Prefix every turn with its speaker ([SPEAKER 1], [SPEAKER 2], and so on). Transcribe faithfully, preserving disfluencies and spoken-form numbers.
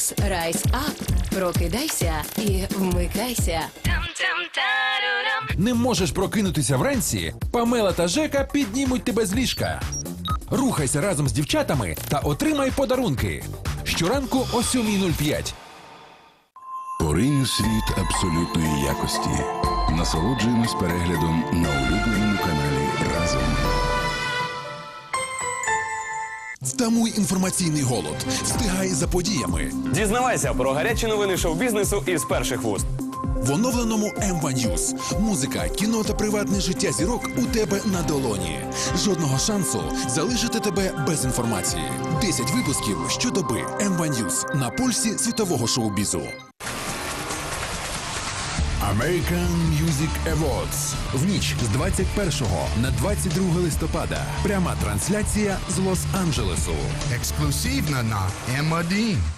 [SPEAKER 1] Ремікс Rise Up. Прокидайся і вмикайся.
[SPEAKER 2] Не можеш прокинутися вранці? Памела та Жека піднімуть тебе з ліжка. Рухайся разом з дівчатами та отримай подарунки. Щоранку о сьомій нуль п'ять.
[SPEAKER 3] Поринь у світ абсолютної якості. Насолоджуємось переглядом на улюбленому каналі «Разом».
[SPEAKER 2] Втамуй інформаційний голод. Встигай за подіями.
[SPEAKER 4] Дізнавайся про гарячі новини шоу-бізнесу із перших вуст.
[SPEAKER 2] В оновленому ем ван News. Музика, кіно та приватне життя зірок у тебе на долоні. Жодного шансу залишити тебе без інформації. десять випусків щодоби. ем ван News на пульсі світового шоу-бізу. American Music Awards. В ніч з двадцять першого на двадцять друге листопада. Пряма трансляція з Лос-Анджелесу.
[SPEAKER 5] Ексклюзивно на ем один.